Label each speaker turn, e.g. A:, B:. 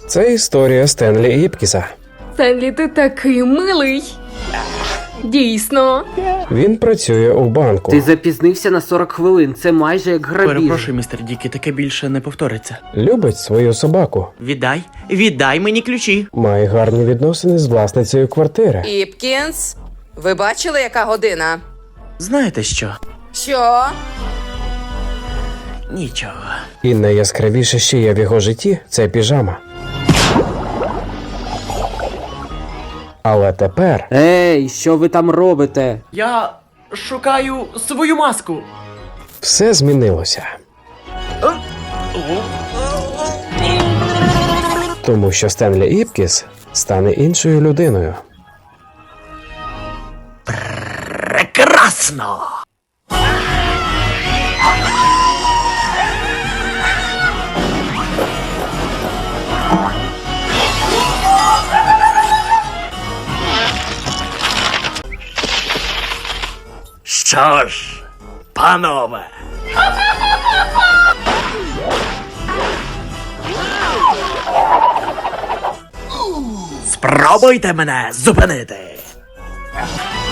A: Це історія Стенлі Іпкіса.
B: Стенлі, ти такий милий. Дійсно.
A: Він працює у банку.
C: Ти запізнився на 40 хвилин, це майже як грабіж.
D: Перепрошую, містер Дікі, таке більше не повториться.
A: Любить свою собаку.
D: Віддай мені ключі.
A: Має гарні відносини з власницею квартири.
E: Іпкінс, ви бачили, яка година?
D: Знаєте що?
E: Що?
D: Нічого.
A: І найяскравіше, що є в його житті, це піжама. Але тепер
C: Ей, що ви там робите?
D: Я шукаю свою маску.
A: все змінилося. Тому що Стенлі Іпкіс стане іншою людиною.
D: Прекрасно! Що ж, панове. Спробуйте мене зупинити.